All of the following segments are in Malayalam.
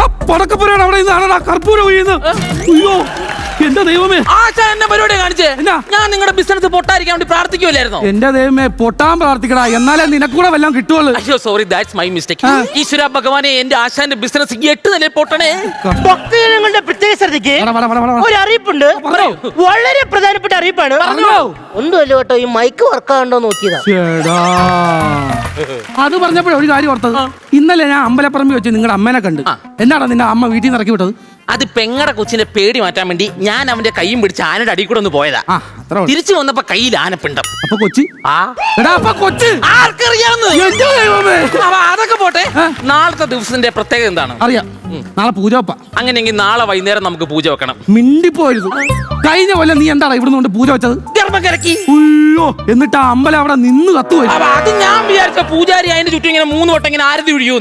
പടക്കപ്പുരയാണ് അവിടെ നിന്നാണ് കർപ്പൂരം ഒഴിയുന്നത്. അയ്യോ എന്റെ ദൈവമേ, ആശാൻ എന്നെ പരിപാടി കാണിച്ചേ. ഞാൻ നിങ്ങളുടെ ബിസിനസ് പൊട്ടായിരിക്കാൻ വേണ്ടി പ്രാർത്ഥിക്കുമല്ലായിരുന്നു. എന്റെ ദൈവമേ, പൊട്ടാൻ പ്രാർത്ഥിക്കടാ, എന്നാലേ നിനക്കൂടെ വല്ലതും കിട്ടുള്ളൂ. അയ്യോ സോറി, ദാറ്റ്സ് മൈ മിസ്റ്റേക്ക്. ഈശ്വര ഭഗവാനെ, എന്റെ ആശാന്റെ ബിസിനസ് 8 നിലയിൽ പൊട്ടണേ. ഭക്തജനങ്ങളുടെ പ്രത്യേക ശ്രദ്ധയ്ക്ക് ഒരു അറിയിപ്പുണ്ട്. വളരെ പ്രധാനപ്പെട്ട അറിയിപ്പാണ്. ഒന്നുമല്ല കേട്ടോ, ഈ മൈക്ക് വർക്കാണ്ടോ നോക്കിയതാ. അത് പറഞ്ഞപ്പോഴേ ഒരു കാര്യം ഓർത്തത്. ഇന്നലെ ഞാൻ അമ്പലപ്പറമ്പിൽ വെച്ച് നിങ്ങളുടെ അമ്മേനെ കണ്ട്. എന്നാടാ നിന്റെ അമ്മ വീട്ടിൽ നിന്ന് ഇറക്കി വിട്ടത്? അത് പെങ്ങടെ കൊച്ചിന്റെ പേടി മാറ്റാൻ വേണ്ടി ഞാൻ അവന്റെ കൈയും പിടിച്ച് ആനയുടെ അടി കൂടെ ഒന്ന് പോയതാ. തിരിച്ചു വന്നപ്പോ കയ്യിൽ ആനപ്പിണ്ടം. അപ്പൊ കൊച്ചി ആർക്കറിയാവുന്ന അതൊക്കെ പോട്ടെ. നാളത്തെ ദിവസത്തിന്റെ പ്രത്യേകത എന്താണ് അറിയാം? നാളെ പൂജ വെപ്പ. അങ്ങനെയെങ്കിൽ നാളെ വൈകുന്നേരം നമുക്ക് പൂജ വെക്കണം. മിണ്ടിപ്പോയത്. കഴിഞ്ഞ കൊല്ലം നീ എന്താണ് ഇവിടുന്ന് കൊണ്ട് പൂജ വെച്ചത്? ഗർഭകരക്കി. അയ്യോ, എന്നിട്ട് ആ അമ്പലം അവിടെ നിന്ന് കത്തുപോയി. അത് ഞാൻ വിചാരിച്ച പൂജാരി അതിന്റെ ചുറ്റും ഇങ്ങനെ 3 വട്ടം ഇങ്ങനെ ആരതി ഒഴിയൂ.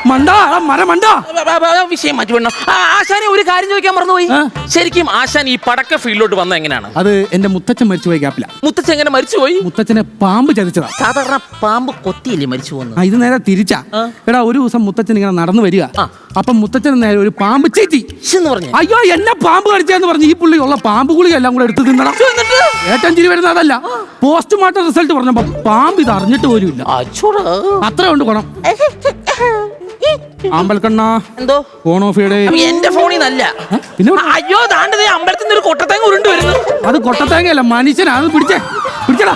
വിഷയം മാറ്റി വിടണം. ആശാനെ ഒരു കാര്യം ചോദിക്കാൻ മറന്നുപോയി. ശരിക്കും ആശാൻ ഈ പടക്ക ഫീൽഡിലോട്ട് വന്ന എങ്ങനെയാണ്? അത് എന്റെ മുത്തച്ഛൻ മരിച്ചുപോയി ഗ്യാപ്പില. മുത്തച്ഛൻ എങ്ങനെ മരിച്ചുപോയി? മുത്തച്ഛനെ പാമ്പ് ചതിച്ചതാ. സാധാരണ പാമ്പ് കൊത്തിയില്ലേ മരിച്ചു പോകുന്നത്? ഇത് നേരെ തിരിച്ചാ. എടാ, ഒരു ദിവസം മുത്തച്ഛൻ ഇങ്ങനെ നടന്നു വരിക. അപ്പൊ മുത്തച്ഛൻ നേരെ ഒരു പാമ്പ് ചേച്ചി എന്ന് പറഞ്ഞു. അയ്യോ, എന്നെ പാമ്പ് കടിച്ചെന്ന് പറഞ്ഞു. ഈ പുള്ളി ഉള്ള പാമ്പ് ഗുളിക എല്ലാം കൂടെ എടുത്ത് തിന്നണം. ഏറ്റവും ചിരി വരുന്നത് അതല്ല, പോസ്റ്റ്മോർട്ടം റിസൾട്ട് പറഞ്ഞപ്പോ പാമ്പ് ഇത് അറിഞ്ഞിട്ട് പോലും ഇല്ല. അത്ര കൊണ്ട് ഗുണം. അമ്പൽക്കണ്ണ എന്തോ ഫോൺ ഓഫ് ചെയ്യടേ. എന്റെ ഫോണിൽ നല്ല. അയ്യോ, താണ്ടത് അമ്പലത്തിൽ നിന്ന് ഒരു കൊട്ടത്തേങ്ങ ഉരുണ്ട് വരുന്നു. അത് കൊട്ടത്തേങ്ങയല്ല, മനുഷ്യനാ. അത് പിടിച്ചടാ.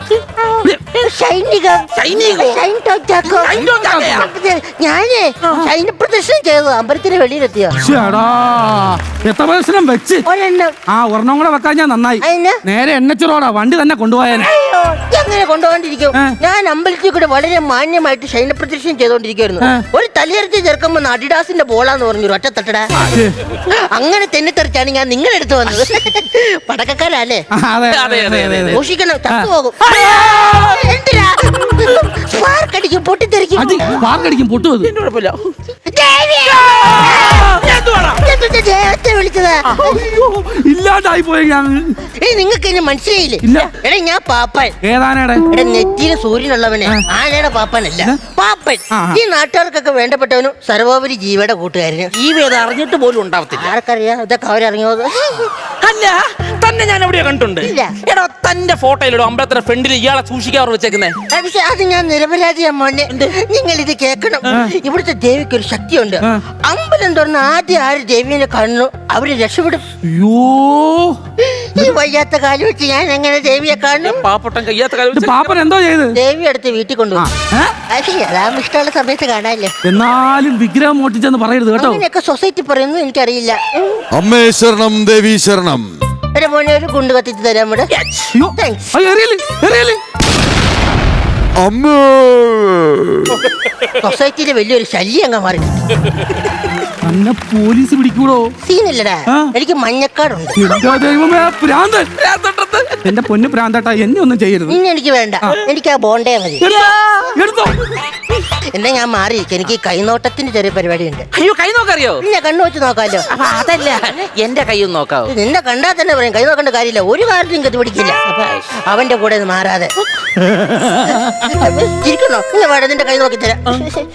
ഞാനേ ശൈന പ്രദർശനം ചെയ്തു അമ്പലത്തിന്റെ വെളിയിലെത്തിയ. എത്ര പ്രദർശനം വെച്ച്? ഒരെണ്ണം കൂടെ വെക്കാൻ ഞാൻ നന്നായി. നേരെ എണ്ണച്ചുറോടാ വണ്ടി തന്നെ കൊണ്ടുപോയാനെ. എങ്ങനെ കൊണ്ടുപോകാണ്ടിരിക്കും? ഞാൻ അമ്പലത്തിൽ കൂടെ വളരെ മാന്യമായിട്ട് ശൈന പ്രദർശനം ചെയ്തോണ്ടിരിക്കുവായിരുന്നു. ഒരു തലയെടുത്ത് ചേർക്കുമ്പോ അഡിഡാസിന്റെ ബോളാന്ന് പറഞ്ഞു ഒറ്റ തട്ടടാ. അങ്ങനെ തെന്നിത്തെറിച്ചാണ് ഞാൻ നിങ്ങളെടുത്ത് വന്നത്. പടക്കക്കാരല്ലേ? സൂക്ഷിക്കണം, ചത്തുപോകും. എന്തിനാ സ്പാർക്കടിക്കും, പൊട്ടിത്തെറിക്കും. പൊട്ടുന്നത് വിളിച്ചതാ. ഇല്ലാണ്ടായി പോയി ഞാൻ. നിങ്ങൾക്ക് എന്നെ മനസ്സിലായില്ലേ? എടാ, ഞാൻ പാപ്പൻ. ഏതാനയുടെ? എടാ, നെറ്റിയില് സൂര്യനുള്ളവനെ ആനയുടെ പാപ്പനല്ല, പാപ്പൻ. ഈ നാട്ടുകാർക്കൊക്കെ വേണ്ടപ്പെട്ടവനും സർവോപരി ജീവയുടെ കൂട്ടുകാരന്. ജീവ അറിഞ്ഞിട്ട് പോലും ഉണ്ടാവത്തില്ല. ആർക്കറിയാം ഇതൊക്കെ അവരറിഞ്ഞത്? അല്ല, തന്നെ ഞാൻ എവിടെയോ കണ്ടിട്ടുണ്ട്. എടാ, തന്റെ ഫോട്ടോയിലോ അമ്പലത്തിന്റെ ഫ്രണ്ടിൽ ഇയാളെ സൂക്ഷിക്കാറ് വെച്ചേക്കുന്നേ. പക്ഷെ അത് ഞാൻ നിരപരാധിയാ മോനെ. നിങ്ങൾ ഇത് കേൾക്കണം. ഇവിടുത്തെ ദേവിക്ക് ഒരു ശക്തിയുണ്ട്. അമ്പലം തുറന്ന് ആദ്യം ആര് ദേവിനെ കാണുന്നു അവര് രക്ഷപ്പെടും. ഈ വയ്യാത്ത കാലം വെച്ച് ഞാൻ എങ്ങനെ ദേവിയെ കാണും? പാപ്പട്ടൻ കയ്യാത്ത കാലം പാപ്പൻ എന്തോ ചെയ്ത് ദേവി അടുത്ത് വീട്ടിൽ കൊണ്ടുപോകും. അതാകുമ്പോ ഇഷ്ടമുള്ള സമയത്ത് കാണാല്ലേ. എന്നാലും വിഗ്രഹം മോട്ടിച്ചെന്ന് പറയരുത് കേട്ടോ. അങ്ങനെയൊക്കെ സൊസൈറ്റി പറയുന്നു, എനിക്കറിയില്ല. അമ്മേ ശരണം, ദേവി ശരണം. ഒരു മോനെ ഒരു കുണ്ട് കത്തിച്ച് തരാൻ ഇവിടെ. സൊസൈറ്റിയിലെ വലിയൊരു ശല്യം അങ്ങ് മാറി. പോലീസ് പിടിക്കൂടോ? സീനല്ലടാ, എനിക്ക് മഞ്ഞക്കാടുണ്ട്. എന്റെ പൊന്ന് പ്രാന്തട്ടാ, എന്നെ ഒന്നും ചെയ്യരുത്. ഇനി എനിക്ക് വേണ്ട, എനിക്ക് ആ ബോണ്ടേ മതി. എന്നാ ഞാൻ മാറിയിരിക്കും. എനിക്ക് കൈനോട്ടത്തിന്റെ ചെറിയ പരിപാടി ഉണ്ട്. അയ്യോ, കൈ നോക്കറിയോ? പിന്നെ കണ്ണു വെച്ച് നോക്കാലോ. അതല്ല, എന്റെ കൈ ഒന്ന് നോക്കാവോ? നിന്നെ കണ്ടാ തന്നെ പറയും കൈ നോക്കേണ്ട കാര്യമില്ല. ഒരു കാര്യത്തിലും കത്തി പിടിക്കില്ല. അവന്റെ കൂടെ മാറാതെ ഇരിക്കണോ? നിന്റെ കൈ നോക്കി തരാം.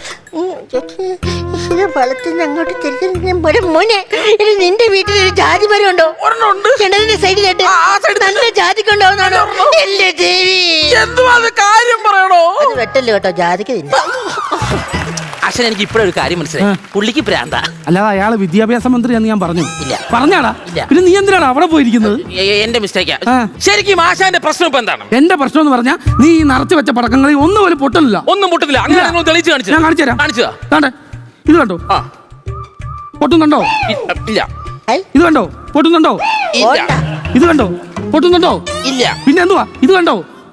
വളത്തിന് അങ്ങോട്ട് മോനെ, നിന്റെ വീട്ടിൽ ഒരു ജാതി മരം ഉണ്ടോ? കിണറിന്റെ സൈഡിലായിട്ട് നല്ല ജാതിക്കുണ്ടാവുന്നതാണോ? എന്റെ ദേവി, കാര്യം പറയണോ? അത് വെട്ടല്ലോ കേട്ടോ, ജാതിക്ക് തിന്നെ. അച്ഛൻ, എനിക്ക് ഇപ്പോഴൊരു കാര്യം മനസ്സിലായി. പുള്ളിക്ക് പ്രാന്ത. അല്ലാതെ അയാള് വിദ്യാഭ്യാസ മന്ത്രി എന്ന് ഞാൻ പറഞ്ഞു. ഇല്ല. പറഞ്ഞാടാ? ഇല്ല. പിന്നെ നീ എന്തിനാണ് അവിടെ പോയിരിക്കുന്നത്? എന്റെ മിസ്റ്റേക്കാ. ശരിക്കും ആശാന്റെ പ്രശ്നം ഇപ്പൊ എന്താണ്? എന്റെ പ്രശ്നം എന്ന് പറഞ്ഞാൽ നീ ഈ നിറച്ചു വെച്ച പടക്കങ്ങളിൽ ഒന്നും പോലും പൊട്ടില്ല. ഒന്നും പൊട്ടുന്നില്ല. അങ്ങനെ തെളിയിച്ച് കാണിച്ചു. ഞാൻ കാണിച്ചു തരാം. കാണിച്ചതാ. ഇത് കണ്ടോ? പൊട്ടുന്നുണ്ടോ? ഇല്ല. ഇത് കണ്ടോ? പൊട്ടുന്നുണ്ടോ? ഇല്ല. ഇത് കണ്ടോ? പൊട്ടുന്നുണ്ടോ? ഇല്ല. പിന്നെ എന്തുവാ? ഇത് കണ്ടോ?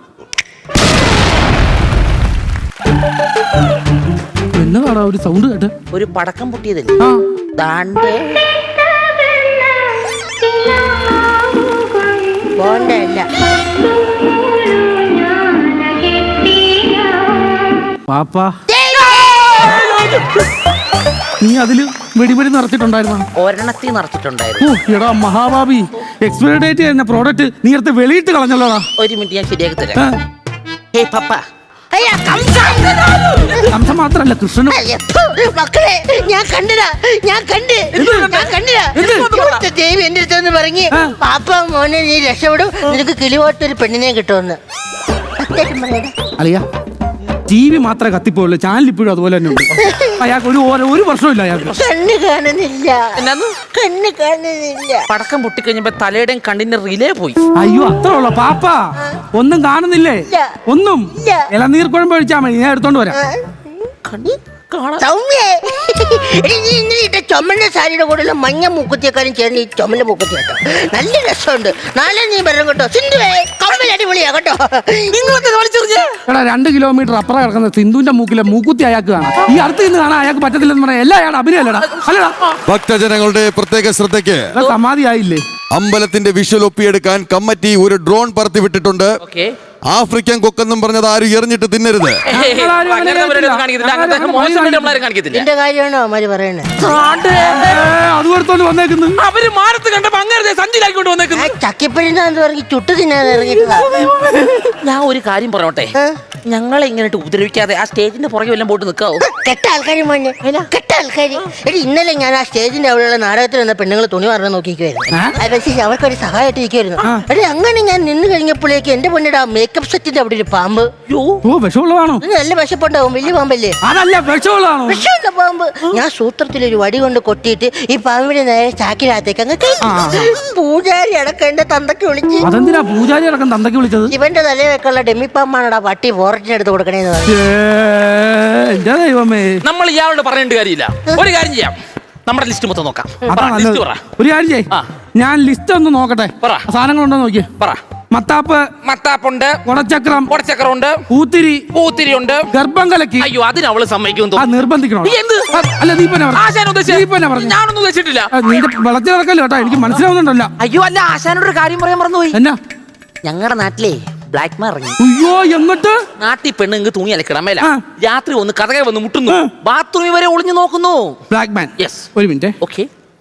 എന്നതാടാ ഒരു സൗണ്ട് കേട്ട്? ഒരു പടക്കം പൊട്ടിയതല്ലേ? പാപ്പാ, നീ അതില് വെടിവെടി നിറച്ചിട്ടുണ്ടായിരുന്നോ? ഒരെണ്ണത്തിൽ നിറച്ചിട്ടുണ്ടായിരുന്നു. എടാ മഹാഭാവി, എക്സ്പയറി ഡേറ്റ് കഴിഞ്ഞ പ്രോഡക്റ്റ് നീ എടുത്ത് വെളിയിട്ട് കളഞ്ഞല്ലോടാ. ഒരു മിനിറ്റ്, ഞാൻ ശരിയാക്കി തരാം. ഹേ പപ്പ, അയ്യ, കംസൻ. കംസം മാത്രല്ല കൃഷ്ണനും. അയ്യ, ഫു, മക്കളെ ഞാൻ കണ്ടില്ല, ഞാൻ കണ്ടില്ല. ഇവിടുത്തെ ദേവി എന്റെ അടുത്തൊന്ന് പറഞ്ഞ് പാപ്പ മോനെ നീ രക്ഷപ്പെടും, നിനക്ക് കിളിപോട്ടൊരു പെണ്ണിനെ കിട്ടുമെന്ന്. സത്യം പറയടാ. അളിയ ടി വി മാത്രമേ കത്തിപ്പോയുള്ളൂ, ചാനൽ ഇപ്പോഴും അതുപോലെ തന്നെ ഉണ്ട്. അയാൾക്ക് ഒരു വർഷമില്ല അയാൾക്ക്. കണ്ണ് കാണുന്നില്ല, എന്നാന്ന് കണ്ണ് കാണുന്നില്ല. പടക്കം പൊട്ടിക്കഴിഞ്ഞപ്പോ തലയുടെയും കണ്ണിന്റെ റിലേ പോയി. അയ്യോ അത്ര ഉള്ള പാപ്പ ഒന്നും കാണുന്നില്ലേ? ഇല്ല. ഒന്നും ഇല്ല. ഇളനീർ കുഴമ്പ് ഒഴിച്ചാൽ മതി, ഞാൻ എടുത്തോണ്ട് വരാം. സൗമ്യേ, എടി നീ ഇന്നലെ ഇട്ട ചുമന്ന സാരിയുടെ കൂടെ മഞ്ഞ മൂക്കുത്തിയെക്കാരും ചേർന്ന് ഈ ചുമന്ന മൂക്കുത്തി കേട്ടോ, നല്ല രസമുണ്ട്. നാളെ നീ വരണം കേട്ടോ. സിന്ധുവേ കമ്മൽ അടിപൊളിയാ കേട്ടോ. എടാ 2 കിലോമീറ്റർ അപ്പുറം കിടക്കുന്ന സിന്ധുവിന്റെ മൂക്കിലെ മൂക്കുത്തി അയാൾക്ക് കാണാം. ഈ അടുത്ത് നിന്ന് കാണാൻ അയാൾക്ക് പറ്റത്തില്ലെന്ന് പറയാം. എല്ലാം അയാളുടെ അഭിനയല്ലടാ. അല്ലടാ ഭക്തജനങ്ങളുടെ പ്രത്യേക ശ്രദ്ധയ്ക്ക് സമാധിയായില്ലേ? അമ്പലത്തിന്റെ വിഷ്വൽ ഒപ്പിയെടുക്കാൻ കമ്മിറ്റി ഒരു ഡ്രോൺ പറത്തി വിട്ടിട്ടുണ്ട്. ഓക്കേ. ആഫ്രിക്കൻ കൊക്കെന്നും പറഞ്ഞത് ആരും എറിഞ്ഞിട്ട് തിന്നരുത്. എന്റെ കാര്യമാണോ അവര് പറയണേ? അത് കൊടുത്തോണ്ട് വന്നേക്കുന്നു. അവര് മാനത്ത് കണ്ടപ്പോ അങ്ങനെ സഞ്ചിലാക്കിക്കൊണ്ട് വന്നേക്കുന്നു. ചക്കിപ്പഴിന്നാന്ന് പറഞ്ഞ് ചുട്ടു തിന്നാൻ ഇറങ്ങിട്ടതാ. ഞാൻ ഒരു കാര്യം പറഞ്ഞോട്ടെ, ഞങ്ങളെ ഇങ്ങോട്ട് ഉപദ്രവിക്കാതെ ആ സ്റ്റേജിന്റെ പുറകെ വല്ലതും പോയിട്ട് നിൽക്കാവോ? കെട്ട ആൾക്കാർ മോനെ, കെട്ട ആൾക്കാർ. എടി ഇന്നലെ ഞാൻ ആ സ്റ്റേജിന്റെ അവിടെയുള്ള നാടകത്തിൽ വന്ന പെണ്ണുങ്ങൾ തുണി മാറാൻ നോക്കിക്കുവായിരുന്നു. പക്ഷേ അവർക്കൊരു സഹായമായിട്ട് ഇരിക്കുവായിരുന്നു. എടി അങ്ങനെ ഞാൻ നിന്ന് കഴിഞ്ഞപ്പോഴേക്ക് എന്റെ പൊന്നിടാ മേക്കപ്പ് സെറ്റിന്റെ അവിടെ ഒരു പാമ്പ്. വിഷമുള്ളതാണോ? നല്ല വിശപ്പുണ്ടാവും, വലിയ പാമ്പല്ലേ? അതല്ല വിഷമുള്ളതാണോ? വിഷമുള്ള പാമ്പ്. ഞാൻ സൂത്രത്തിൽ ഒരു വടി കൊണ്ട് കൊട്ടിയിട്ട് ഈ പാമ്പിനെ നേരെ ചാക്കിനകത്തേക്ക് അങ്ങ് പൂജാരി അടക്കം എന്റെ തന്തക്ക് വിളിച്ച്. അതെന്തിനാ പൂജാരി അടക്കം തന്തക്ക് വിളിച്ചത്? ഇവന്റെ തലയൊക്കെയുള്ള ഡെമ്മി പാമ്പാണടാ പട്ടി ഫോറസ്റ്റിന് എടുത്ത് കൊടുക്കണേന്ന് പറഞ്ഞു. എന്റെ ദൈവമേ, നമ്മൾ ഇയാളോട് പറയേണ്ട കാര്യമില്ല. ഒരു കാര്യം ചെയ്യാം, നമ്മുടെ ലിസ്റ്റ് മൊത്തം നോക്കാം. അതാ നല്ലത്. ഒരു കാര്യം ചെയ്യ്, ഞാൻ ലിസ്റ്റ് ഒന്ന് നോക്കട്ടെ. സാധനങ്ങളുണ്ടോ നോക്കിയേ. പറ. മത്താപ്പുണ്ട്, കുടച്ചക്രം ഉണ്ട്, പൂത്തിരി ഉണ്ട്, ഗർഭം കലക്കി. അയ്യോ അതിന് അവള് സമ്മതിക്കും നിർബന്ധിക്കണോ? അല്ല നീ ഞാനൊന്നും ഉദ്ദേശിച്ചിട്ടില്ല. നിന്റെ വിളച്ചു കിടക്കല്ലോ കേട്ടോ, എനിക്ക് മനസ്സിലാവുന്നുണ്ടല്ലോ. അയ്യോ അല്ല, ആശാനോട് ഒരു കാര്യം പറയാൻ മറന്നുപോയി. എന്നാ? ഞങ്ങളുടെ നാട്ടിലെ ബ്ലാക്ക് മാൻ ഇറങ്ങി. അയ്യോ എന്നിട്ട് നാട്ടിൽ പെണ്ണുങ്ങൾക്ക് തുണി അലക്കിടാൻ മേല. രാത്രി ഒന്ന് കഥകെ വന്ന് മുട്ടുന്നു, ബാത്റൂമിൽ വരെ ഒളിഞ്ഞു നോക്കുന്നു. Black man. യെസ്. ഒരു മിനിറ്റ്. ഓക്കെ.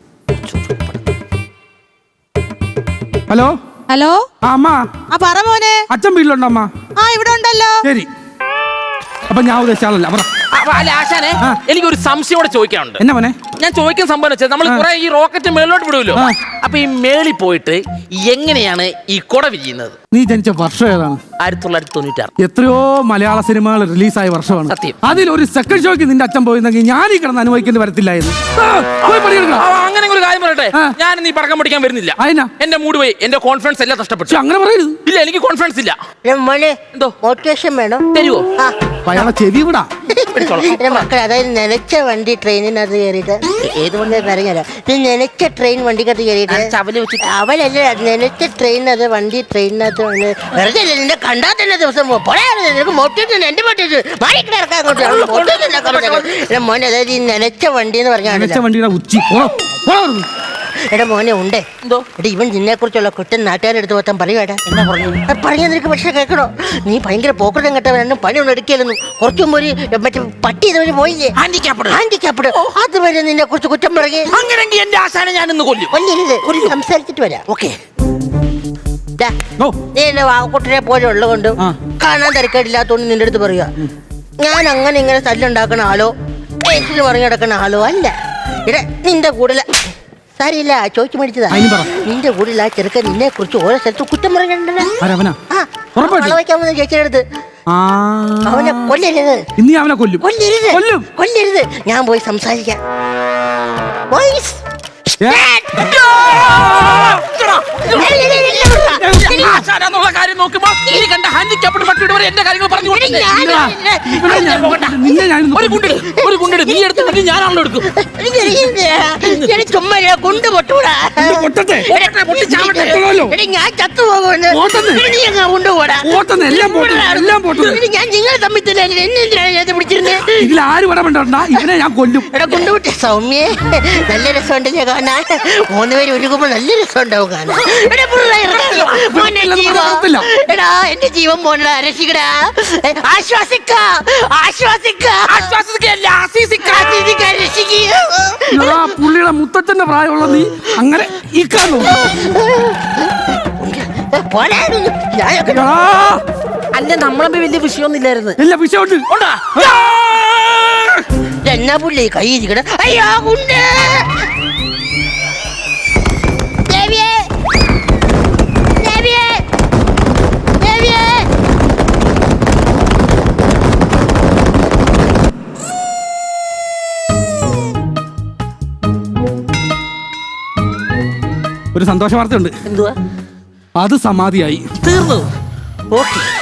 Hello hello. അമ്മ. പറ മോനെ. അച്ഛൻ വീട്ടിലുണ്ടോ അമ്മ? ഇവിടെ ഉണ്ടല്ലോ. ശരി, അപ്പൊ ഞാൻ ഉദ്ദേശിച്ചാളല്ല. അല്ല ആശാനെ, എനിക്കൊരു സംശയോടെ ചോദിക്കാനുണ്ട്. എന്നാ മോനെ? ഞാൻ ചോദിക്കാൻ സംഭവം വെച്ചാൽ നമ്മൾ കുറെ ഈ റോക്കറ്റ് മേളിലോട്ട് വിടുമല്ലോ. അപ്പൊ ഈ മേളിൽ പോയിട്ട് എങ്ങനെയാണ് ഈ കുട വിരിയുന്നത്? നീ ജനിച്ച വർഷം ഏതാണ്? 1996. എത്രയോ മലയാള സിനിമകൾ റിലീസായ വർഷമാണ്. സത്യം. അതിൽ ഒരു സെക്കൻഡ് ഷോയ്ക്ക് നിന്റെ അച്ഛൻ പോയിരുന്നെങ്കിൽ ഞാൻ ഈ കിടന്ന് അനുഭവിക്കേണ്ടി വരത്തില്ലായിരുന്നു. അങ്ങനെ ഒരു കാര്യം പറയട്ടെ, ഞാൻ നീ പടക്കം പിടിക്കാൻ വരുന്നില്ല. എന്റെ മൂഡ് പോയി, എന്റെ കോൺഫിഡൻസ് എല്ലാം നഷ്ടപ്പെട്ടു. അങ്ങനെ പറയരുത്. ഇല്ല, എനിക്ക് കോൺഫിഡൻസ് ഇല്ല. മോനെ എന്തോ മോട്ടിവേഷൻ വേണം, തരുവോ? അയാളെ ചെവി വിടാ. മക്കളെ, അതായത് നനച്ച വണ്ടി ട്രെയിനിനകത്ത് കയറിയിട്ട് ഏത് വണ്ടി പറഞ്ഞുതരാം. നനച്ച ട്രെയിൻ വണ്ടിക്കകത്ത് കയറിയിട്ട് അവലല്ല, നനച്ച ട്രെയിനത് വണ്ടി ട്രെയിനകത്ത് വെറുതെ നിന്നെ കണ്ടാൽ തന്നെ ദിവസം നിനക്ക് മോട്ടിവേഷൻ എന്റെ മോട്ടിവേഷൻ മോനെ. അതായത് ഈ നനച്ച വണ്ടി എന്ന് പറഞ്ഞാൽ ഉച്ചി. എടാ മോനെ ഉണ്ടേ എന്തോ എടാ, ഇവൻ നിന്നെ കുറിച്ചുള്ള കുറ്റം നാട്ടുകാരെടുത്ത് മൊത്തം പറയുവാടാ. എന്നാ പറഞ്ഞ നിനക്ക് പക്ഷെ കേൾക്കണോ? നീ ഭയങ്കര പോക്കറ്റം കെട്ടവനും പണിയൊന്നും എടുക്കലെന്നും. കുറച്ചു മുമ്പ് ഒരു മറ്റേ പട്ടി ഇതുവരെ പോയില്ലേ, ഹാൻഡിക്യാപ്ഡ്, അതുവരെ നിന്നെ കുറിച്ച് കുറ്റം പറയേ. അങ്ങനെയെങ്കിൽ എന്റെ ആശാനെ ഞാനിന്ന് കൊല്ലരുത്, സംസാരിച്ചിട്ട് വരാം. ഓക്കെ. നീ എന്റെ വാക്കുട്ടിനെ പോലെ ഉള്ളതുകൊണ്ട് കാണാൻ തിരക്കേടില്ലാത്തോണ്ട് നിന്റെ അടുത്ത് പറയുക. ഞാൻ അങ്ങനെ ഇങ്ങനെ തല്ലുണ്ടാക്കണ ആളോ കേസിന് പറഞ്ഞു കിടക്കണ ആളോ അല്ല. ഇട നിന്റെ കൂടെ സാരിയില്ല, ചോദിച്ചു മേടിച്ചതാ. നിന്റെ കൂടെ ആ ചെറുക്കൻ നിന്നെ കുറിച്ച് ഓരോ സ്ഥലത്ത് കുറ്റം പറഞ്ഞിട്ടുണ്ടല്ലോ. ചേച്ചിയുടെ അടുത്ത് അവനെ കൊല്ലരുത്, അവനെ കൊല്ലരുത്. ഞാൻ പോയി സംസാരിക്കാം. കാര്യം നോക്കുമ്പോ ഈ കണ്ട ഹാൻഡിക്യാപ്ഡ് പട്ടിയുടെ വരെ എന്റെ കാര്യങ്ങൾ പറഞ്ഞു. ഒരു കുണ്ടിട് നീ എടുത്തിട്ട് ഞാനാണല്ലോ എടുക്കും. ചുമ്മാ കൊണ്ട് പൊട്ടൂടാ, ഞാൻ ചത്തുപോകുന്നു. കൊണ്ടുപോടാ, ഞാൻ നിങ്ങളെ തമ്മിൽ എന്നെ പിടിച്ചിരുന്നത്. ഇതിലാര് പടമുണ്ടാ ഇവനെ ഞാൻ കൊല്ലും. കൊണ്ടുപോട്ടെ സൗമ്യേ, നല്ല രസമുണ്ടല്ലേ കാണാൻ. 3 പേര് ഒരുക്കുമ്പോ നല്ല രസമുണ്ടാവും കാണാൻ. എടാ എന്റെ ജീവൻ പോണടാ, രക്ഷിക്കടാ, പുള്ളിയുടെ മുത്തച്ഛന്റെ പ്രായമുള്ള നീ അങ്ങനെ പോണേ. അല്ല നമ്മളെ വലിയ വിഷയമൊന്നും ഇല്ലായിരുന്നു. എല്ലാ വിഷയമുണ്ട്. ഉണ്ടാ എന്നാ പുള്ളി കൈ ഇരിക്കണ? അയ്യോ ഉണ്ട്. ദേവിയേ, ദേവിയേ, ദേവിയേ. ഒരു സന്തോഷ വാർത്തയുണ്ട്. എന്തുവാ? അത് സമാധിയായി. തീർന്നു. ഓക്കെ.